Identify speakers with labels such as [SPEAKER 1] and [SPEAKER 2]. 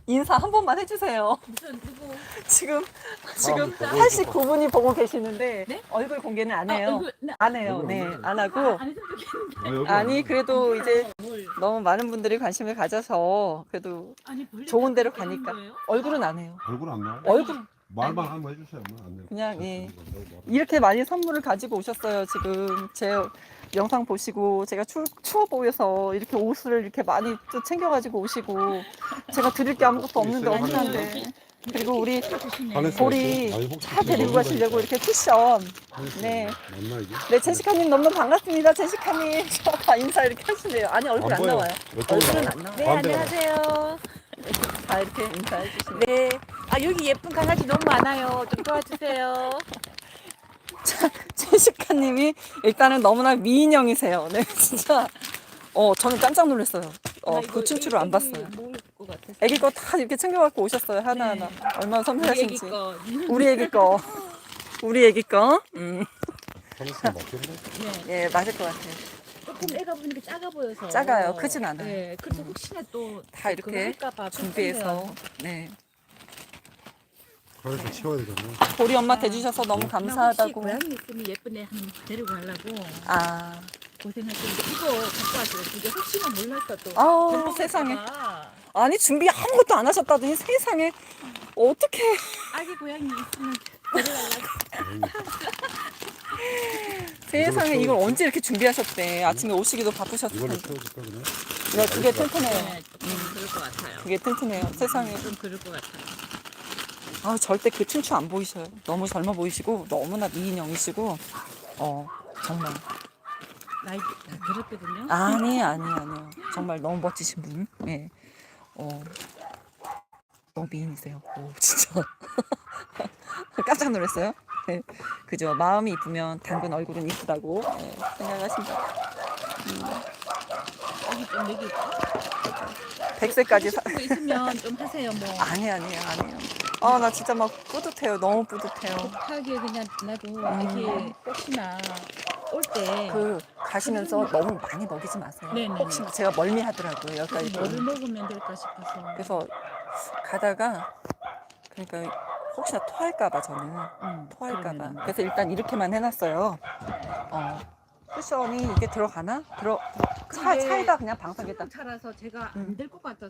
[SPEAKER 1] 인사 한 번만 해주세요.
[SPEAKER 2] 무슨 누구?
[SPEAKER 1] 지금
[SPEAKER 3] 보고
[SPEAKER 1] 89분이 보고 계시는데
[SPEAKER 2] 네?
[SPEAKER 1] 얼굴 공개는 안 해요.
[SPEAKER 2] 네.
[SPEAKER 1] 안 해요.
[SPEAKER 3] 얼굴
[SPEAKER 1] 네,
[SPEAKER 3] 없는데.
[SPEAKER 1] 안 하고.
[SPEAKER 2] 안 했으면 좋겠는데.
[SPEAKER 3] 왜 여기
[SPEAKER 1] 아니
[SPEAKER 3] 왔냐?
[SPEAKER 1] 그래도 이제
[SPEAKER 2] 뭘?
[SPEAKER 1] 너무 많은 분들이 관심을 가져서 그래도
[SPEAKER 2] 아니 벌레
[SPEAKER 1] 좋은 데로
[SPEAKER 2] 같은 거
[SPEAKER 1] 가니까
[SPEAKER 2] 하는 거예요?
[SPEAKER 1] 얼굴은 안 해요.
[SPEAKER 3] 얼굴 안 나와?
[SPEAKER 1] 얼굴
[SPEAKER 3] 말만 한번 해주세요. 안 돼요.
[SPEAKER 1] 그냥, 예.
[SPEAKER 3] 뭐.
[SPEAKER 1] 이렇게 많이 선물을 가지고 오셨어요. 지금 제 영상 보시고 제가 추워 보여서 이렇게 옷을 이렇게 많이 또 챙겨가지고 오시고 제가 드릴 게 아무것도 없는데
[SPEAKER 3] 있어요?
[SPEAKER 1] 어떡한데. 그리고 우리
[SPEAKER 2] 주시네.
[SPEAKER 1] 보리 차 데리고 가시려고 이렇게 쿠션. 네.
[SPEAKER 3] 맞나 이게?
[SPEAKER 1] 네, 제시카님 너무 반갑습니다. 제시카님. 인사 이렇게 하시네요. 아니, 얼굴 안
[SPEAKER 3] 보여.
[SPEAKER 1] 나와요.
[SPEAKER 3] 이쪽으로
[SPEAKER 1] 얼굴은
[SPEAKER 3] 나와.
[SPEAKER 1] 안 나와요.
[SPEAKER 2] 네,
[SPEAKER 3] 반대로
[SPEAKER 2] 안녕하세요.
[SPEAKER 1] 아, 이렇게 인사해 주시네요.
[SPEAKER 2] 네. 아, 여기 예쁜 강아지 너무 많아요. 좀 도와주세요.
[SPEAKER 1] 제시카님이 일단은 너무나 미인형이세요. 네, 진짜. 저는 깜짝 놀랐어요.
[SPEAKER 2] 나
[SPEAKER 1] 그 춤추를 안 봤어요.
[SPEAKER 2] 모를 것 같아서.
[SPEAKER 1] 애기 거 다 이렇게 챙겨갖고 오셨어요. 하나하나.
[SPEAKER 2] 네.
[SPEAKER 1] 얼마나
[SPEAKER 2] 우리 애기
[SPEAKER 1] 섬세하신지.
[SPEAKER 2] 거.
[SPEAKER 1] 우리 애기 거. 우리 애기 거.
[SPEAKER 3] 하나씩 먹겠네.
[SPEAKER 2] 네.
[SPEAKER 1] 예, 맞을 것 같아요.
[SPEAKER 2] 조금 애가 보니까 작아 보여서.
[SPEAKER 1] 작아요. 크진 않아요.
[SPEAKER 2] 네. 그래서 혹시나 또
[SPEAKER 1] 다 이렇게
[SPEAKER 2] 그거 할까봐
[SPEAKER 1] 준비해서.
[SPEAKER 2] 걱정돼요.
[SPEAKER 1] 네.
[SPEAKER 3] 그래서 치워야 되겠네.
[SPEAKER 1] 보리 엄마 대주셔서 너무
[SPEAKER 2] 나 혹시
[SPEAKER 1] 감사하다고.
[SPEAKER 2] 고양이 있으면 예쁜 애 한 데리고 가려고
[SPEAKER 1] 아,
[SPEAKER 2] 고생하시는데 이거 갖고 왔어요. 이게 혹시나 몰라서 또.
[SPEAKER 1] 아우,
[SPEAKER 2] 데리고
[SPEAKER 1] 세상에.
[SPEAKER 2] 갈까 봐.
[SPEAKER 1] 아니, 준비 아무것도 안 하셨다더니 세상에. 어떻게.
[SPEAKER 2] 아기 고양이 있으면 데려가려고.
[SPEAKER 1] 세상에 이걸 언제 이렇게 준비하셨대. 아침에 오시기도 바쁘셨을
[SPEAKER 3] 이걸로
[SPEAKER 1] 텐데.
[SPEAKER 3] 채워줄까 그냥?
[SPEAKER 1] 네, 그게 튼튼해요.
[SPEAKER 2] 네, 좀 그럴 것 같아요.
[SPEAKER 1] 그게 튼튼해요. 세상에.
[SPEAKER 2] 좀 그럴 것 같아요.
[SPEAKER 1] 아, 절대 그 춘추 안 보이셔요. 너무 젊어 보이시고, 너무나 미인형이시고, 정말.
[SPEAKER 2] 나이 다 들었거든요.
[SPEAKER 1] 아니에요. 정말 너무 멋지신 분. 예. 너무 미인이세요. 오, 진짜. 깜짝 놀랐어요. 네. 그죠. 마음이 이쁘면 당근 얼굴은 이쁘다고 생각하신다.
[SPEAKER 2] 여기 좀 여기
[SPEAKER 1] 100세까지 사.
[SPEAKER 2] 하고 싶은 거 있으면 좀 하세요. 뭐
[SPEAKER 1] 아니에요. 나 진짜 막 뿌듯해요. 너무 뿌듯해요.
[SPEAKER 2] 하게 그냥 나도 이게 혹시나 올 때
[SPEAKER 1] 가시면서 너무 많이 먹이지 마세요.
[SPEAKER 2] 네네네.
[SPEAKER 1] 혹시 제가 멀미하더라고요. 여기까지.
[SPEAKER 2] 뭐를 먹으면 될까 싶어서.
[SPEAKER 1] 그래서 가다가 그러니까 혹시나 토할까봐 저는 토할까봐.
[SPEAKER 2] 그러면은.
[SPEAKER 1] 그래서 일단 이렇게만 해놨어요. 쿠션이 이게 들어가나? 차에다 그냥 방석에다.
[SPEAKER 2] 차라서 제가 안 될 것 같아서